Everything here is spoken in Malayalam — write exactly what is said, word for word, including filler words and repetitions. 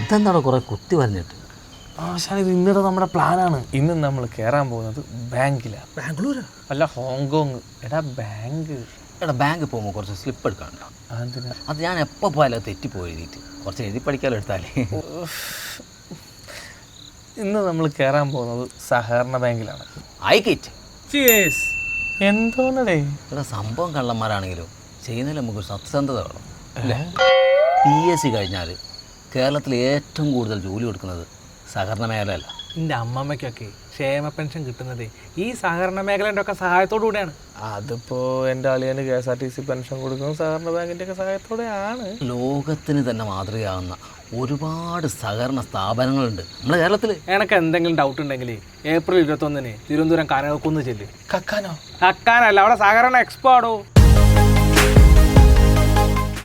ഇതെന്താണോ കുറേ കുത്തി പറഞ്ഞിട്ട്? ആശാൻ ഇത് ഇന്നത്തെ നമ്മുടെ പ്ലാനാണ്. ഇന്ന് നമ്മൾ കയറാൻ പോകുന്നത് ബാങ്കിലാണ്. ബാംഗ്ലൂരാ? അല്ല, ഹോങ്കോങ്. എടാ ബാങ്ക്. എടാ ബാങ്കിൽ പോകുമ്പോൾ കുറച്ച് സ്ലിപ്പ് എടുക്കാനുണ്ടോ? അതെന്തിനാ? അത് ഞാൻ എപ്പോൾ പോയാലും തെറ്റിപ്പോയി എഴുതിയിട്ട് കുറച്ച് എഴുതി പഠിക്കാലോ എടുത്താലേ. ഇന്ന് നമ്മൾ കയറാൻ പോകുന്നത് സഹകരണ ബാങ്കിലാണ്. ആയിക്കേറ്റ് എന്തോന്നടേ? ഇവിടെ സംഭവം കള്ളന്മാരാണെങ്കിലും ചെയ്യുന്നതിൽ നമുക്ക് സത്യസന്ധത വേണം അല്ലേ? പി എസ് സി കഴിഞ്ഞാൽ കേരളത്തിൽ ഏറ്റവും കൂടുതൽ ജോലി കൊടുക്കുന്നത് സഹകരണ മേഖലയല്ല. എൻ്റെ അമ്മമ്മയ്ക്കൊക്കെ ക്ഷേമ പെൻഷൻ കിട്ടുന്നത് ഈ സഹകരണ മേഖലൻ്റെ ഒക്കെ സഹായത്തോടു കൂടെയാണ്. അതിപ്പോൾ എൻ്റെ അളിയന് K S R T C pension കൊടുക്കുന്നത് സഹകരണ ബാങ്കിൻ്റെ ഒക്കെ സഹായത്തോടെയാണ്. ലോകത്തിന് തന്നെ മാതൃകയാവുന്ന ഒരുപാട് സഹകരണ സ്ഥാപനങ്ങളുണ്ട് നമ്മുടെ കേരളത്തിൽ. എനക്ക് എന്തെങ്കിലും ഡൗട്ട് ഉണ്ടെങ്കിൽ ഏപ്രിൽ ഇരുപത്തൊന്നിന് തിരുവനന്തപുരം കനകക്കുന്ന് ചെല്ല്. കക്കാനോ? കക്കാനല്ല, അവിടെ സഹകരണ എക്സ്പോ ആടോ.